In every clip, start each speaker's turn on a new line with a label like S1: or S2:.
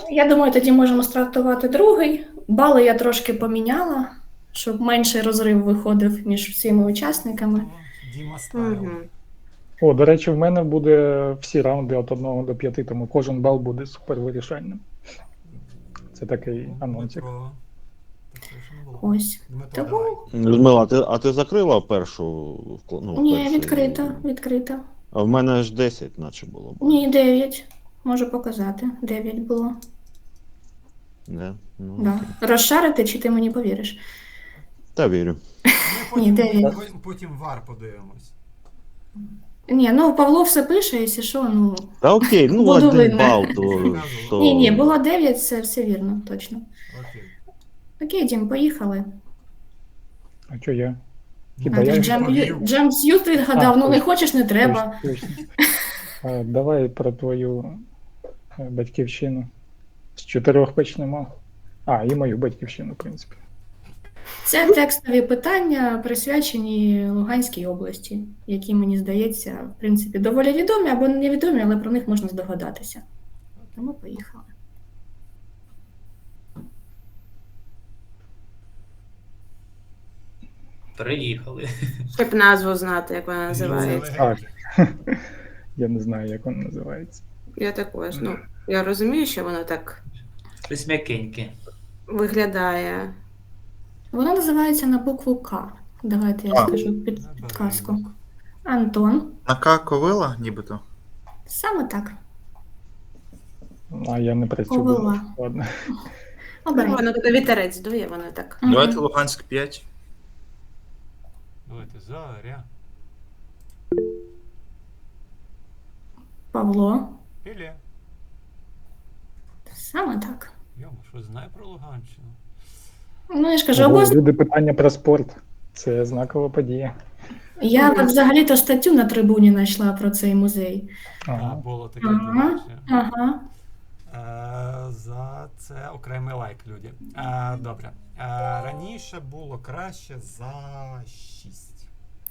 S1: Я думаю, тоді можемо стартувати другий. Бали я трошки поміняла, щоб менший розрив виходив між всіма учасниками.
S2: Діма стайл.
S3: Мгм.
S4: О, до речі, в мене буде всі раунди від 1 до 5, тому кожен бал буде супервирішальним. Це такий анонсик.
S2: Дмитро. Так, це ще не було.
S1: Ось.
S2: Дмитро,
S1: Тому-
S2: давай.
S5: Людмила, а ти закрила першу?
S1: Ні,
S5: перший?
S1: відкрита.
S5: А в мене ж 10, наче було.
S1: Ні, 9. Можу показати. 9 було.
S5: Не? Ну,
S1: Да. Розшарити, чи ти мені повіриш?
S5: Та вірю.
S2: Ми
S1: Ні, 9.
S2: потім вар подивимось.
S1: Ні, ну Павло все пише, якщо що, ну.
S5: Та окей, ну
S1: Буду
S5: 1
S1: винна.
S5: бал, то...
S1: Ні, було 9, це все вірно, точно.
S2: Окей.
S1: Окей, Дім, поїхали.
S4: А що я?
S1: А,
S4: Хіба
S1: ти
S4: я?
S1: Джем Сьют відгадав, ну не
S4: точно.
S1: хочеш, не треба.
S4: Точно. Давай про твою батьківщину. З 4 почнемо. І мою батьківщину, в принципі.
S1: Це текстові питання, присвячені Луганській області, які, мені здається, в принципі, доволі відомі або невідомі, але про них можна здогадатися. Тому поїхали.
S6: Приїхали.
S3: Щоб назву знати, як вона називається.
S4: Так. Я не знаю, як воно називається.
S3: Я також. Ну, я розумію, що воно так
S6: Щось м'якеньке.
S3: виглядає.
S1: Воно називається на букву К. Давайте я скажу підказку. Антон.
S7: На К ковила, нібито.
S1: Саме так.
S4: А я не працюю.
S1: Ковила.
S4: Ладно.
S1: Обирай.
S3: Воно туди вітерець дує, воно так.
S1: Мгм.
S7: Давайте Луганськ 5.
S2: Давайте, Заря.
S1: Павло.
S2: Ілля.
S1: Саме так.
S2: Йома, що знає про Луганщину?
S1: Ну, я ж кажу,
S4: Ого,
S1: область.
S4: люди, питання про спорт. Це знакова подія.
S1: Я взагалі-то статтю на трибуні знайшла про цей музей.
S4: Ага.
S2: Було таке.
S1: Ага.
S2: до речі.
S1: Ага.
S2: За це окремий лайк, люди. Добре. Раніше було краще за 6.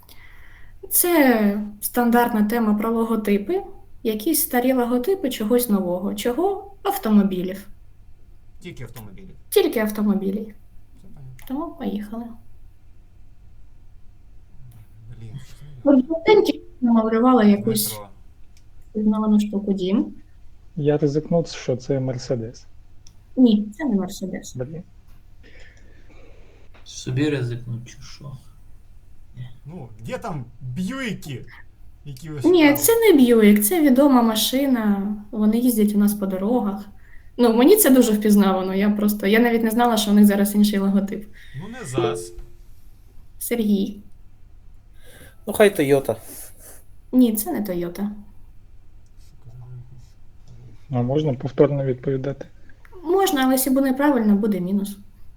S1: Це стандартна тема про логотипи. Якісь старі логотипи чогось нового. Чого? Автомобілів.
S2: Тільки автомобілі.
S1: Тільки автомобілів.
S2: Все понятно.
S1: Тому поїхали.
S2: Блін, що це?
S1: Жовтенькі намалювала якусь
S2: Дмитро.
S1: пізнавану штуку Дім.
S4: Я ризикнув, що це Мерседес.
S1: Ні, це не Мерседес.
S4: Блін.
S6: Собі ризикнуть чи що?
S2: Ну, де там Б'юйки? Які ви
S1: Ні,
S2: шукали?
S1: це не Б'юік, це відома машина. Вони їздять у нас по дорогах. Ну, мені це дуже впізнавано. Я навіть не знала, що у них зараз інший логотип.
S2: Ну, не ЗАЗ.
S1: Сергій.
S8: Ну, хай Тойота.
S1: Ні, це не Тойота.
S4: А можна повторно відповідати?
S1: Можна, але якщо буде неправильно, буде мінус.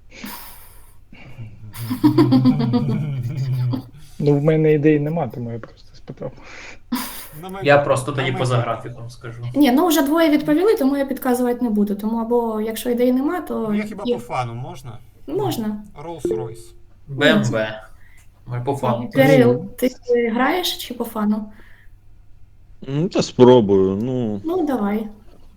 S4: Ну, в мене ідей нема, тому я просто спитав.
S6: Я просто тоді поза графіком скажу.
S1: Ні, ну вже двоє відповіли, тому я підказувати не буду. Тому або якщо ідеї нема, то
S2: Ну, я хіба по фану можна?
S1: можна.
S2: Rolls-Royce.
S6: БМВ. Ми по фану.
S1: Кирил, ти граєш чи по фану?
S5: Та спробую, ну...
S1: Ну, давай.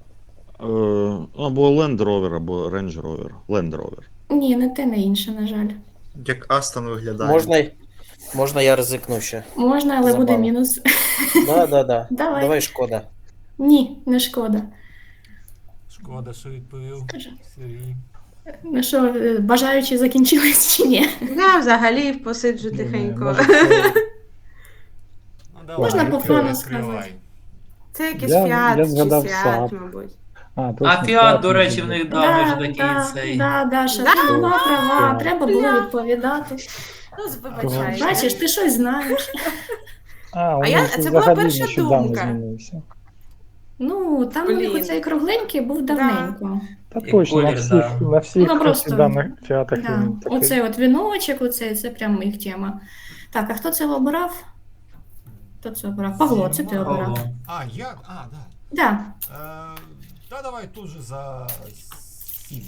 S5: Або Land Rover, або Range Rover. Land Rover.
S1: Ні, не те, не інше, на жаль.
S7: Як Астон виглядає.
S8: Можна я ризикну ще?
S1: Можна, але буде
S8: Забавно.
S1: мінус.
S8: Да.
S1: Давай.
S8: Давай, шкода.
S1: Ні, не шкода.
S2: Шкода, що відповів
S1: Скажи.
S2: Сергій.
S1: Ну що, бажаючі закінчились чи ні?
S3: Я взагалі посиджу
S4: Не,
S3: тихенько.
S4: може, це-
S2: Ну, давай,
S1: Можна по фану
S2: відкривай.
S1: сказати.
S3: Це якийсь
S4: Я
S3: фіат чи
S4: згадав
S3: свят,
S4: Saab.
S3: мабуть.
S4: точно,
S6: А Фіат, до
S4: може
S6: речі, в
S4: бути.
S6: них давно ж такий цей.
S1: Даша, ти була права, треба було відповідати.
S3: Ну, вибачайте.
S1: Бачиш, ти щось знаєш.
S4: У
S3: я-
S4: них
S3: це була
S4: взагалі
S3: перша
S4: нещодавно
S3: думка.
S4: змінився.
S1: Ну, там у них
S3: Блін.
S1: оцей кругленький був давненько.
S4: Та
S6: І
S4: точно,
S6: колір, да.
S4: на всіх
S1: Ну, просто-
S4: даних фіатах
S1: Да.
S4: він такий.
S1: Оцей от віночок, оцей, це прям їх тема. Так, а хто це обирав? Хто це обирав? Павло, це ти обирав.
S6: Павло.
S2: Я? Да.
S1: Да.
S2: Та давай тут же за 7.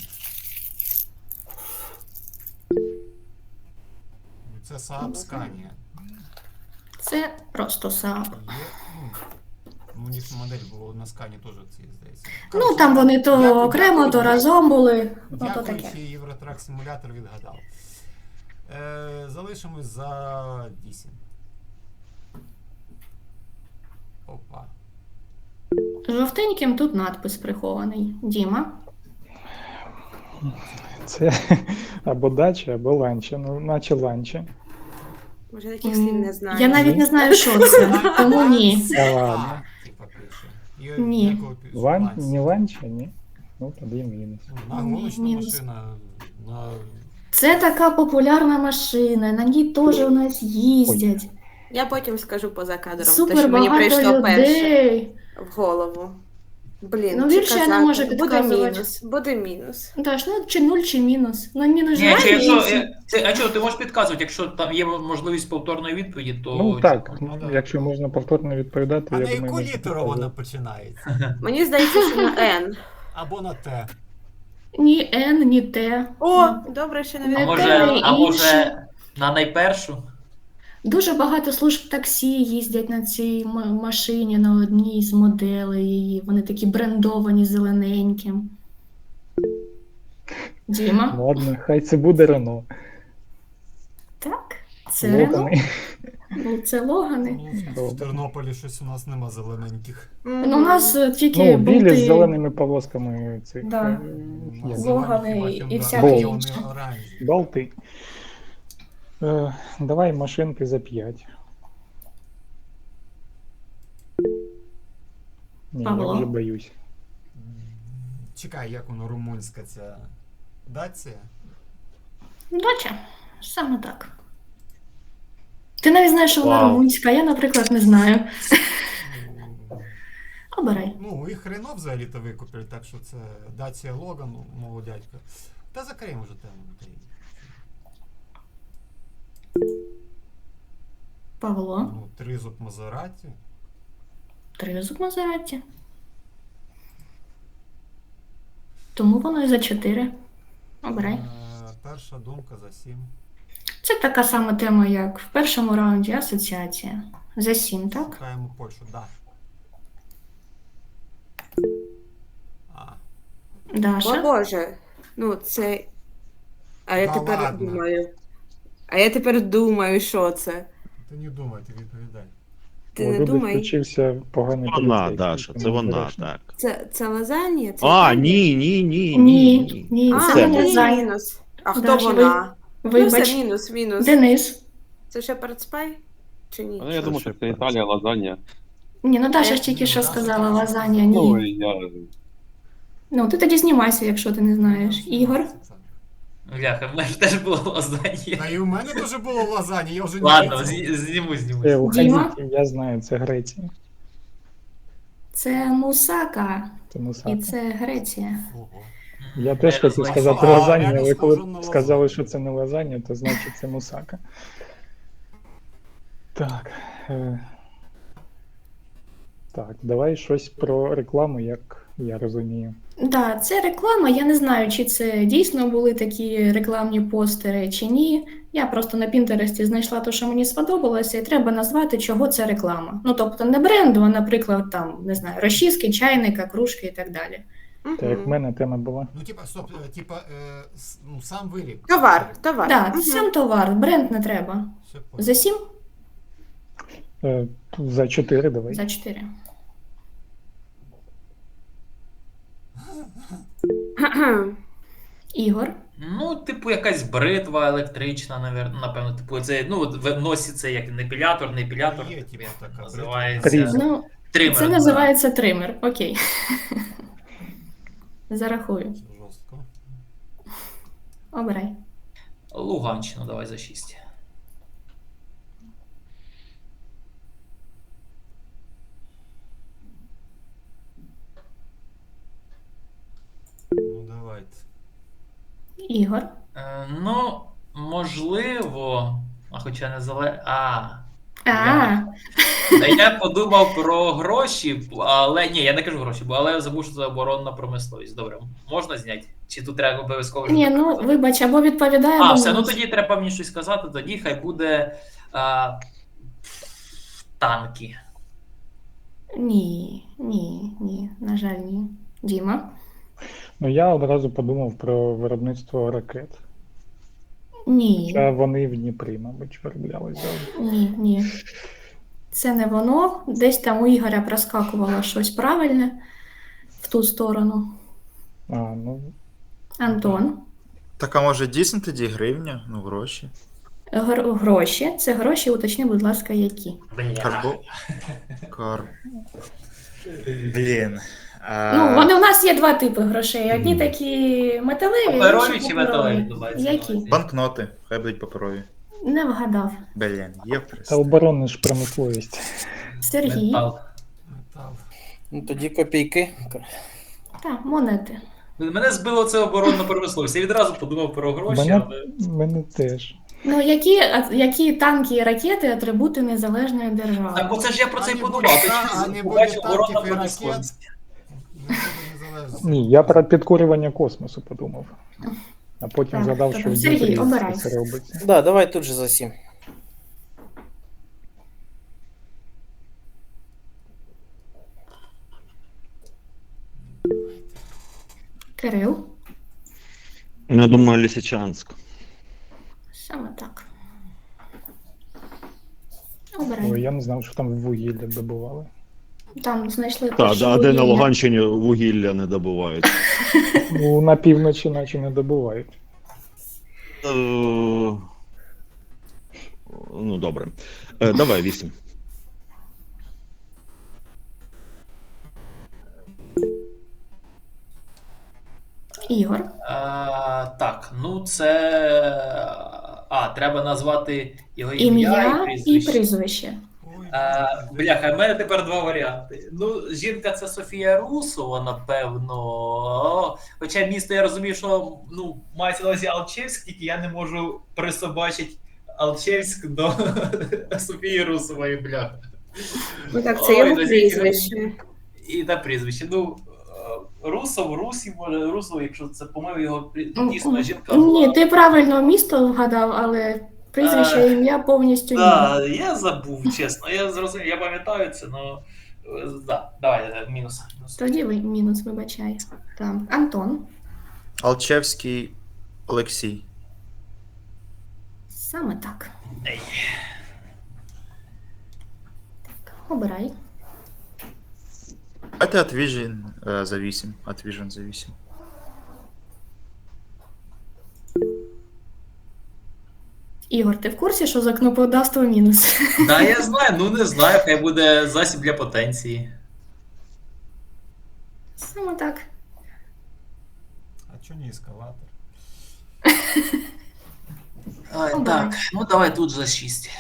S2: Це Saab Scania.
S1: Це просто Saab.
S2: Є, Ну, у них модель була на скані теж ці, здається.
S1: Ну, там вони то
S2: Дякую,
S1: окремо, то
S2: дякую.
S1: разом були. Ну, то
S2: Дякуючи,
S1: таке.
S2: Євротрак симулятор відгадав. Залишимось за 8. Опа.
S1: Жовтеньким тут надпис прихований. Діма.
S4: Це або дача, або ланча. Ну, наче ланча.
S3: Може, таких слів не знаю.
S1: Я навіть не знаю, що це, тому ні.
S4: Та ладно.
S2: Типа пише. І
S1: Ні.
S2: ніякого ланця.
S4: Не ланча, ні? Ну, тоді мінус.
S2: Ну, гоночна
S1: Мінус.
S2: машина. На...
S1: Це така популярна машина, на ній теж у нас їздять.
S3: Я потім скажу поза кадром, те,
S1: Супер
S3: що мені
S1: багато
S3: прийшло перше
S1: людей.
S3: в голову. Блін,
S1: Ну,
S3: чи
S1: більше я не
S3: казати?
S1: можу
S3: Буде
S1: підказувати.
S3: мінус, буде мінус.
S1: Даш, ну чи 0, чи мінус. Ну, мінус
S6: Ні,
S1: жаль,
S6: чи якщо,
S1: мінус.
S6: а чого, ти можеш підказувати, якщо там є можливість повторної відповіді, то...
S4: Ну так,
S2: ну, да.
S4: якщо можна повторно відповідати,
S2: А
S4: я
S2: на
S4: думаю,
S2: яку
S4: можна
S2: літеру
S4: показати.
S2: вона починається?
S3: Мені здається, що на N.
S2: Або на Т.
S1: Ні Н, ні Т.
S3: О, добре, що
S6: А
S3: не
S6: може,
S1: те,
S6: а
S1: інше.
S6: може на найпершу?
S1: Дуже багато служб таксі їздять на цій машині, на одній з моделей її. Вони такі брендовані зелененьким. Діма.
S4: Ладно, хай це буде Рено.
S1: Так, це Рено.
S4: Логани.
S1: Ну, це Логани.
S2: Ну, в Тернополі щось у нас нема зелененьких.
S1: Ну, у нас тільки
S4: Ну, білі з
S1: болти.
S4: зеленими полосками цих.
S1: Да.
S2: У нас
S1: Логани
S2: зелені,
S1: і
S2: хіба
S1: всяке
S2: Hyundai,
S1: інше.
S2: вони оранжеві.
S4: Болти. Давай машинки за 5. Ні, я
S1: Павло?
S4: вже боюсь.
S2: Чекай, як воно румунська ця Дація?
S1: Доча, саме так. Ти навіть знаєш, що вона
S5: Вау.
S1: румунська, я, наприклад, не знаю. Обирай.
S2: Ну, їх Рено взагалі-то викупили, так що це Дація Логан, мого дядька. Та закриємо вже тему.
S1: Павло.
S2: Ну, тризуб Мазераті.
S1: Тризуб Мазераті. Тому воно і за 4. Обирай.
S2: Перша думка за 7.
S1: Це така сама тема, як в першому раунді асоціація. За 7, так?
S2: Шукаємо Польщу, да. А,
S3: О
S1: Даша.
S3: Боже, ну це. А я
S2: Та
S3: тепер
S2: ладно.
S3: думаю. А я тепер думаю, що це.
S2: ти не думай, ти відповідай.
S3: Ти
S4: О,
S3: не
S4: Любик
S3: думай.
S4: включився поганий
S5: Вона,
S4: поліцейський,
S5: Даша, це
S4: тому
S5: вона,
S4: обережно.
S5: так.
S3: Це лазанія? Це
S5: А,
S3: Італія?
S5: ні.
S1: Ні,
S3: А,
S1: це
S5: Це
S1: не
S3: ні,
S1: за.
S3: мінус. А хто
S1: Даша,
S3: вона? Ну,
S1: Вибач.
S3: все, мінус.
S1: Денис.
S3: Це Шепард Спай? Чи ні?
S9: Ну, я думаю, що це Італія, лазанья.
S1: Ні, ну Даша ж тільки що сказала лазанія, ні.
S9: Ну, я...
S1: Ну, ти тоді знімайся, якщо ти не знаєш. Ігор.
S6: Бляха, в мене ж теж було лазання.
S2: Та і у мене теж було лазані, я вже не
S6: Ладно,
S2: відповів.
S6: зніму.
S1: Діма?
S4: Я знаю, це Греція.
S1: Це Мусака.
S4: Тому
S1: І
S4: саме.
S1: це Греція.
S2: Ого.
S4: Я теж
S6: Я
S4: хотів
S6: знаю.
S4: сказати
S2: А,
S4: лазанья,
S2: реально
S4: але
S2: схоже
S4: коли
S2: на
S4: сказали,
S2: лазанью.
S4: що це не лазанья, то значить це мусака. Так. Так, давай щось про рекламу, як я розумію.
S1: Да, це реклама. Я не знаю, чи це дійсно були такі рекламні постери, чи ні. Я просто на Пінтересті знайшла те, що мені сподобалося, і треба назвати, чого це реклама. Ну, тобто не бренду, а, наприклад, там, не знаю, розчіски, чайника, кружки і так далі.
S4: Так як в мене тема була.
S2: Ну, типа, стоп, ну, сам виріб.
S3: Товар.
S1: Так,
S3: Мгм.
S1: сам товар, бренд не треба.
S2: Все понял.
S1: За 7?
S4: За 4 давай.
S1: За 4. Ігор.
S6: Ну, типу, якась бритва електрична, напевно, типу, це, ну, от в носі це як не епілятор,
S2: Є, типу, така
S6: називається.
S4: бритва.
S1: Ну,
S6: Тример.
S1: це називається тример. Окей. Зарахую.
S2: Жорстко.
S1: Обирай.
S6: Луганщина, давай за 6.
S2: Ну, давайте.
S1: Ігор.
S6: Ну, можливо, а хоча не Я подумав про гроші, але ні, я не кажу гроші, але я забув, що це оборонна промисловість. Добре, можна зняти? Чи тут треба обов'язково?
S1: Ні, ну, вибач, або відповідає,
S6: А,
S1: або
S6: все, ну
S1: ні.
S6: тоді треба мені щось сказати, тоді хай буде танки.
S1: Ні, на жаль, ні. Діма?
S4: Ну я одразу подумав про виробництво ракет.
S1: Ні.
S4: Хоча вони в Дніпрі, мабуть, вироблялись завжди.
S1: Ні. Це не воно. Десь там у Ігоря проскакувало щось правильне в ту сторону.
S4: А, ну,
S1: Антон.
S7: Так, а може дійсно тоді гривня? Ну, гроші.
S1: Гроші. Це гроші, уточни, будь ласка, які.
S6: Бля.
S7: Карбо. Кар. Блін.
S1: Ну, вони у нас є два типи грошей. Одні такі металеві,
S6: Паперові
S1: інші
S6: чи
S1: паперові.
S6: металеві, думаєте?
S1: Які?
S7: Банкноти. Хай будуть паперові.
S1: Не вгадав.
S7: Блін, є
S4: та
S7: просто.
S4: оборонна ж промисловість.
S1: Сергій.
S6: Метал.
S2: Метал.
S8: Ну тоді копійки.
S1: Так, монети.
S6: Мене збило це оборонна промисловість. Я відразу подумав про гроші,
S4: Мене,
S6: але.
S4: мене теж.
S1: Ну, які танки і ракети атрибути незалежної держави?
S6: Так оце ж я про це й
S2: не
S6: подумав.
S2: буде
S6: Ти
S2: та-
S6: що,
S2: а не
S6: побачив
S2: буде
S6: оборонна
S2: танків і
S6: промисловість.
S2: Не буде незалежності.
S4: Ні, я про підкорювання космосу подумав. А потім
S1: Так,
S4: згадав,
S1: добре.
S4: що в
S1: Сергій,
S4: Дніпрі
S1: обирай.
S4: це робиться.
S8: Да, давай тут же за 7.
S1: Кирил.
S5: Я думаю, Лисичанск.
S1: Саме так.
S4: Ой,
S1: Обирай.
S4: я не знав, що там вугілля добували.
S1: Там знайшли
S5: Так,
S1: перші
S5: а де на
S1: вугілля.
S5: Луганщині вугілля не добувають?
S4: Ну, на півночі наче не добувають.
S5: Ну, добре. Давай 8.
S1: Ігор.
S6: Так, ну це. Треба назвати його
S1: Ім'я
S6: і
S1: і
S6: прізвище.
S1: прізвище.
S2: Ой,
S6: Бляха, в мене тепер два варіанти. Ну, жінка це Софія Русова, напевно. Хоча місто я розумію, що мається на увазі Алчевськ, тільки я не можу присобачити Алчевськ до Софії Русової, бляха.
S3: Ну так,
S6: це його
S3: прізвище.
S6: І на прізвище. Русов, Русів, може, Русов, якщо це по-моєму його дійсно жінка.
S1: Ні, ти правильно місто вгадав, але прізвище і ім'я повністю ні.
S6: Так, я забув, чесно. Я зрозумів, я пам'ятаю це, але. Да, давай, мінус.
S1: Тоді ви мінус, вибачай. Так. Антон.
S7: Алчевський Олексій.
S1: Саме так.
S6: Ей.
S1: Так, обирай.
S7: А ти Atvision за 8. Atvision за 8.
S1: Ігор, ти в курсі, що за кнопкодавство мінус?
S6: Да, я знаю, не знаю, хай буде засіб для потенції.
S1: Саме так.
S2: а чого не ескалатор?
S6: Так, ну давай тут за 6.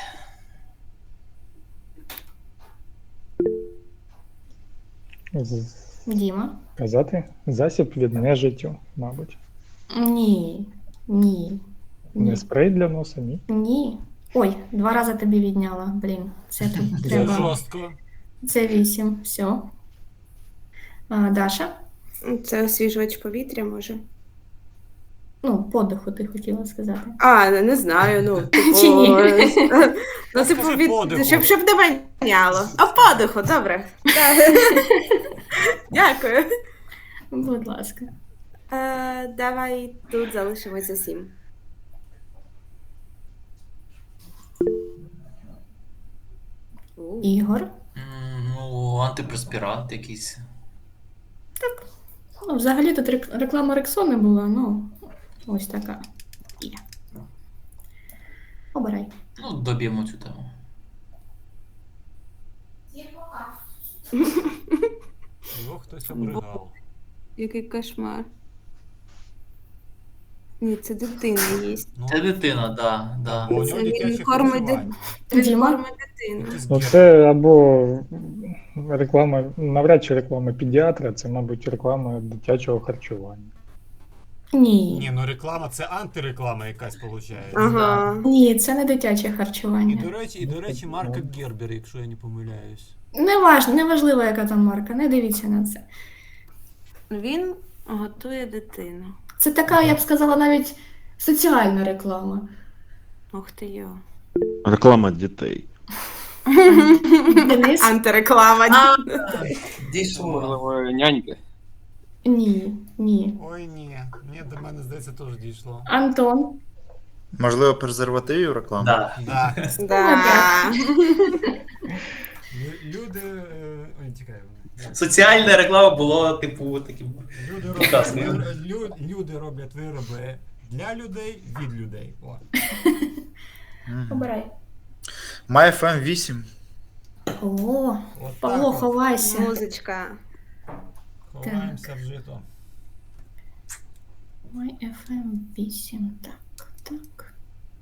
S1: Діма.
S4: Казати? Засіб від нежиттю, мабуть.
S1: Ні.
S4: Не спрей для носа, ні.
S1: Ні. Ой, 2 рази тобі відняла. Блін, це тут
S2: Це
S1: треба.
S2: жорстко.
S1: Це 8. Все. Даша.
S3: Це освіжувач повітря, може.
S1: Ну, подиху ти хотіла сказати.
S3: А, не знаю, ну, типу.
S1: Чи ні?
S3: Ну, типу,
S2: Скажи подиху.
S3: щоб не воняло. А подиху, добре. Так. Дякую.
S1: Будь ласка.
S3: Давай тут залишимося 7.
S1: Ігор.
S6: Ну, антипреспірант якийсь.
S1: Ну, взагалі тут реклама Рексони була, ну, ось така. Є. Обирай.
S6: Ну, доб'ємо цю тему.
S2: Його хтось обригав.
S3: Який кошмар. Ні, це дитина є.
S2: Ну,
S6: Це дитина, да.
S2: бо у
S3: Це
S2: нього
S3: він
S2: дитяче
S3: кормить
S2: харчування.
S1: Діма.
S3: дитину.
S2: Якийсь
S4: Ну,
S2: гір.
S4: це або реклама, навряд чи реклама педіатра, це, мабуть, реклама дитячого харчування.
S1: Ні.
S2: Ні, ну реклама це антиреклама якась виходить.
S3: Ага.
S1: Ні, це не дитяче
S2: І
S1: харчування.
S2: до речі, марка Гербер, якщо я не помиляюсь.
S1: Неважливо, яка там марка, не дивіться на це.
S3: Він готує дитину.
S1: Це така, я б сказала, навіть соціальна реклама.
S3: Ух ти йо.
S5: Реклама дітей.
S1: Денис?
S3: Антиреклама.
S8: Дійшло.
S9: Можливо, няньки.
S1: Ні, ні.
S2: Ой, ні. Ні, до мене, здається, теж дійшло.
S1: Антон?
S7: Можливо, презервативів реклама?
S6: Да.
S2: Да.
S3: Да.
S2: Люди. Ой, тікай.
S6: Соціальна реклама була, типу, таким.
S2: Люди
S6: Прекрасно.
S2: люди роблять вироби для людей від людей. О.
S7: Мгм.
S1: Обирай.
S7: MyFM 8.
S1: О,
S2: От
S1: Павло,
S2: так от.
S1: ховайся.
S3: Музичка.
S2: Ховаємося в жито.
S1: Мой FM 8. Так, так.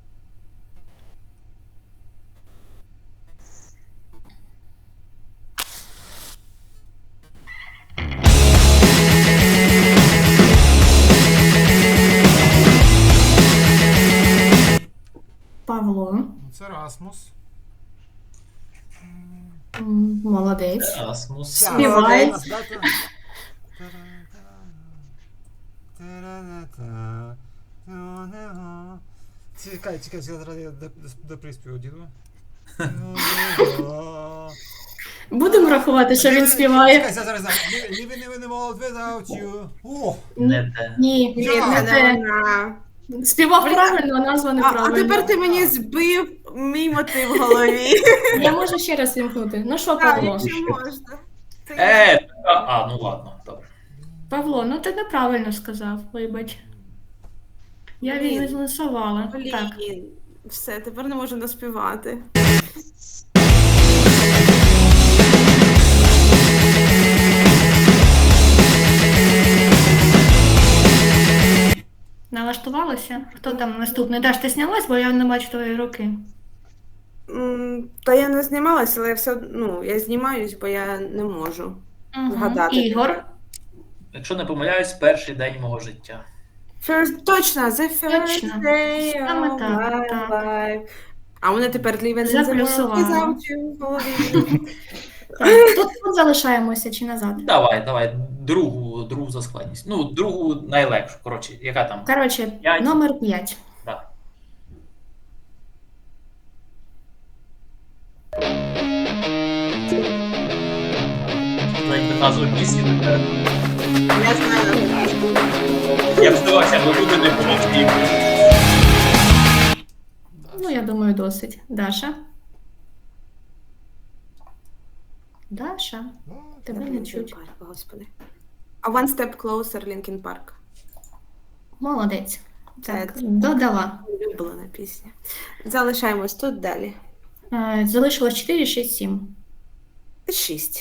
S1: Павло,
S2: Ну, це Расмус.
S1: молодець.
S6: Асмус.
S1: Співає.
S2: Чекай, зараз я до приспіву діду.
S1: Будемо рахувати, що він співає.
S2: Чекай, зараз. Living in the world without you. О!
S6: Не те.
S1: Ні,
S3: Ні,
S1: не
S3: це
S1: те.
S3: не вона.
S1: Співав правильно, а назва
S3: А
S1: неправильно.
S3: тепер ти мені збив мій мотив в голові.
S1: Я можу ще раз вімкнути. Ну що,
S3: Так,
S1: Павло?
S3: якщо можна.
S6: Ну ладно, добре.
S1: Павло, ну ти неправильно сказав, вибач. Я
S3: Блін.
S1: відмінусувала. Так.
S3: Блін. Все, тепер не можу наспівати.
S1: Налаштувалася? Хто там наступний? Даш, ти знялась, бо я не бачу твої руки.
S3: Та я не знімалася, але я все одно, я знімаюсь, бо я не можу
S1: Мгм.
S3: згадати.
S1: Ігор.
S6: Якщо не помиляюсь, перший день мого життя.
S3: Точно, the first
S1: Точно.
S3: day
S1: Саме
S3: of
S1: так,
S3: my
S1: так.
S3: life. А мене тепер living in the world
S1: Заплюсувала.
S3: without you в голові.
S1: Так, тут залишаємося чи назад?
S6: Давай, другу за складність. Ну, другу найлегшу. Коротше, яка там?
S1: Коротше,
S6: П'ять.
S1: номер 5.
S6: Да. Навіть назву пісні.
S3: Я знаю.
S6: Я б здавався, бо люди не помогли.
S1: Ну, я думаю, досить. Даша. Даша, тебе не
S3: Linkin
S1: чуть.
S3: Park, Господи. А One Step Closer, Linkin Park.
S1: Молодець. Так,
S3: Це-
S1: додала.
S3: Улюблена пісня. Залишаємось тут далі.
S1: Залишилось 4, 6, 7.
S3: 6.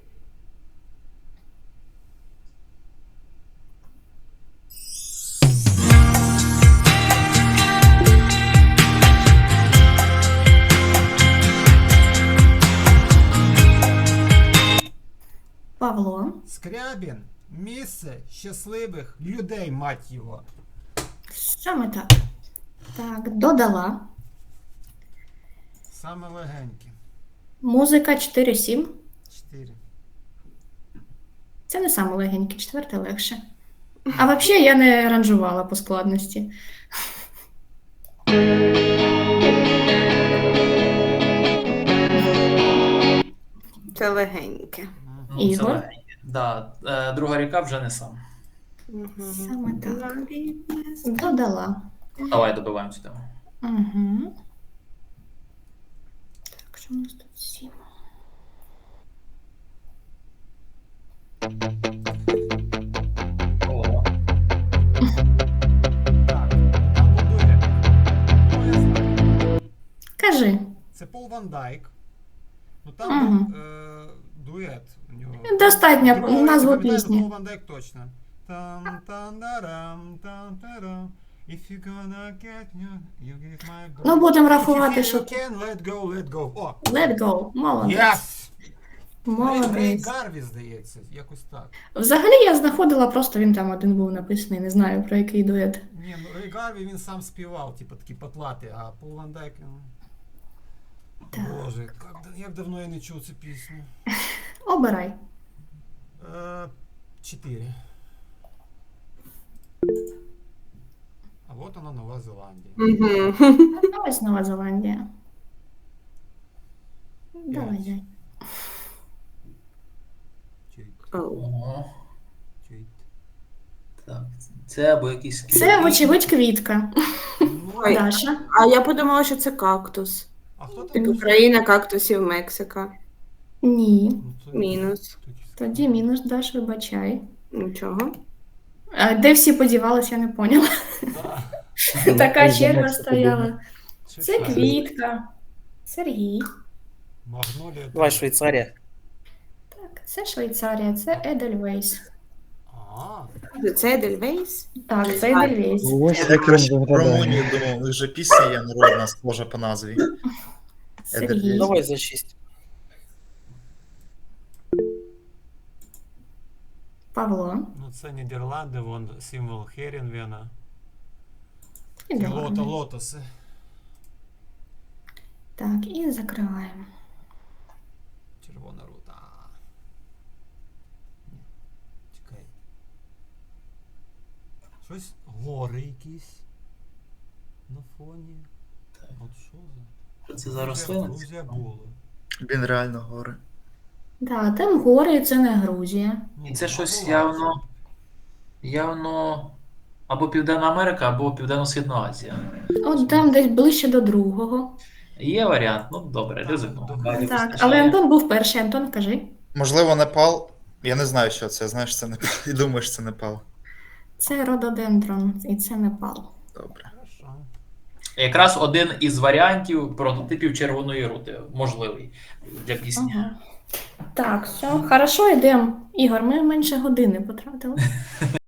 S1: Павло.
S2: Скрябін. Місце щасливих людей, мать його.
S1: Саме так. Так, додала.
S2: Саме легеньке.
S1: Музика 4, 7.
S2: 4.
S1: Це не саме легеньке, четверте легше. А взагалі я не ранжувала по складності.
S3: Це легеньке.
S6: Ну, це
S1: Ігор?
S6: легеньке. Да. Друга ріка вже не сам.
S1: Саме так. Додала.
S6: Давай добиваємо цю тему.
S1: Угу. Так, що у нас тут 7?
S6: О,
S2: Так, там будує. Ну, я знаю.
S1: Кажи.
S2: Це Пол Ван Дайк. Ну там
S1: Мгм.
S2: був дует у нього.
S1: Достатньо
S2: Другого
S1: назву
S2: не пам'ятаю,
S1: пісні.
S2: Пол Ван Дайк точно. Там-там-дарам, там-тарам. If you're gonna get you give my breath.
S1: Ну, будемо
S2: If you
S1: рахувати,
S2: feel
S1: що...
S2: you can, let go, let go. О,
S1: Let go. Молодець.
S2: yes! Рей
S1: Молодець.
S2: Гарві, здається, якось так.
S1: Взагалі я знаходила, просто він там один був написаний, не знаю про який дует.
S2: Ні, ну Рей Гарві він сам співав, типу такий потлатий, а Пол Ван Дайк,
S1: Так.
S2: боже, як давно я не чув цю пісню.
S1: Обирай.
S2: 4. А от вона Нова Зеландія.
S3: Угу.
S1: Ось Нова Зеландія. Давай, дай.
S2: Чуть,
S6: Ого.
S2: чуть.
S6: Так, це або якісь
S1: Це, вочевидь, квітка.
S2: Ну,
S3: Ой.
S1: Даша.
S3: А я подумала, що це кактус.
S2: а хто там?
S3: Типу країна кактусів Мексика.
S1: Ні.
S2: Ну, це-
S3: Мінус.
S1: Тоді мінус, Даш, вибачай.
S3: Нічого.
S1: А де всі подівались, я не поняла.
S2: Да.
S1: Така
S4: Ну,
S1: черга
S4: Мексику
S1: стояла. Це
S2: Шикарно.
S1: квітка. Сергій.
S2: Магнолія.
S8: Давай, Швейцарія.
S1: Так, це Швейцарія, це Едельвейс.
S2: А,
S3: Це Едельвейс?
S1: Так, це Едельвейс.
S4: Ось
S7: Я
S4: як він
S7: краще про
S4: виглядає.
S7: Румунію думав, у них же пісня є народна, схожа по назві.
S1: Сергій.
S8: Давай за 6.
S1: Павло.
S2: ну це Нідерланди, вон символ Херінвена.
S1: І
S2: І
S1: давай.
S2: лотоси.
S1: Так, і закриваємо.
S2: Червона рута. Ні. Чекай. Щось гори якісь на фоні. От що за?
S6: Що це за рослина?
S2: Грузія була.
S7: Він реально гори.
S1: Так, там гори, це не Грузія.
S6: І це щось
S2: була.
S6: явно або Південна Америка, або Південно-Східна Азія.
S1: От там десь ближче до другого.
S6: Є варіант, ну добре, ризикну.
S2: Добре.
S1: Так, але Антон був перший. Антон, кажи.
S7: Можливо, Непал. Я не знаю, що це. Знаєш, це Непал. І думаєш, це Непал.
S1: Це рододендрон, і це Непал.
S7: Добре.
S2: Хорошо.
S6: Якраз один із варіантів прототипів червоної рути, можливий для пісні.
S1: Ага. Так, все, хорошо, йдемо. Ігор, ми менше години потратили.